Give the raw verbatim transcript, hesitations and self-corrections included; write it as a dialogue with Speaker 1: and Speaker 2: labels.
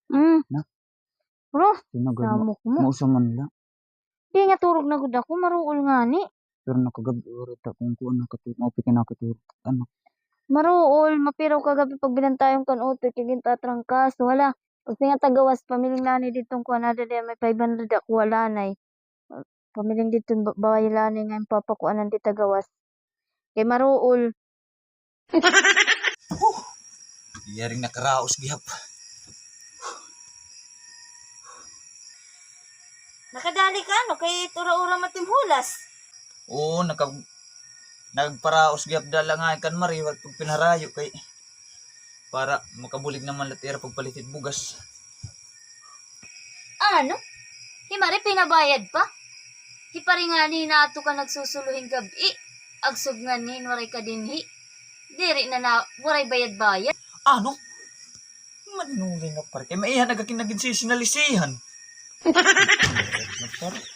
Speaker 1: Mm.
Speaker 2: Na?
Speaker 1: Bro,
Speaker 2: Tinagad mo.
Speaker 1: namok mo.
Speaker 2: Mausa man lang.
Speaker 1: Di nga turog na gud ako, maruol nga ni.
Speaker 2: Pero nakagabi oras ta kung kuan nakatulog. Mao pinakatulog. Ano?
Speaker 1: Maruol, mapiraw kagabi pag binantayong kanutoy kay gintatrangkas. Wala. Pag nga tagawas pamiling nani ditong kuan na di may five hundred ako wala nay. Pamiling dito baway-lani nga yung papakuanan di tagawas. Kay maruol.
Speaker 2: Iyaring nakaraos gihap.
Speaker 1: Nakadali ka no kay tura-ura matimhulas.
Speaker 2: Oo, naka nagparaos gihap dala nga kan mari wag pag pinarayo kay para makabulig naman latira pagpalitit bugas.
Speaker 1: Ano? Himari pinabayad pa? Hiparingani na ato ka nagsusuluhing gabi. Agsog nga ni waray ka dinhi. Diri na na waray bayad-bayad.
Speaker 2: Ano? Manungi nga pare. Kay maihan nagakin naging sinalisihan.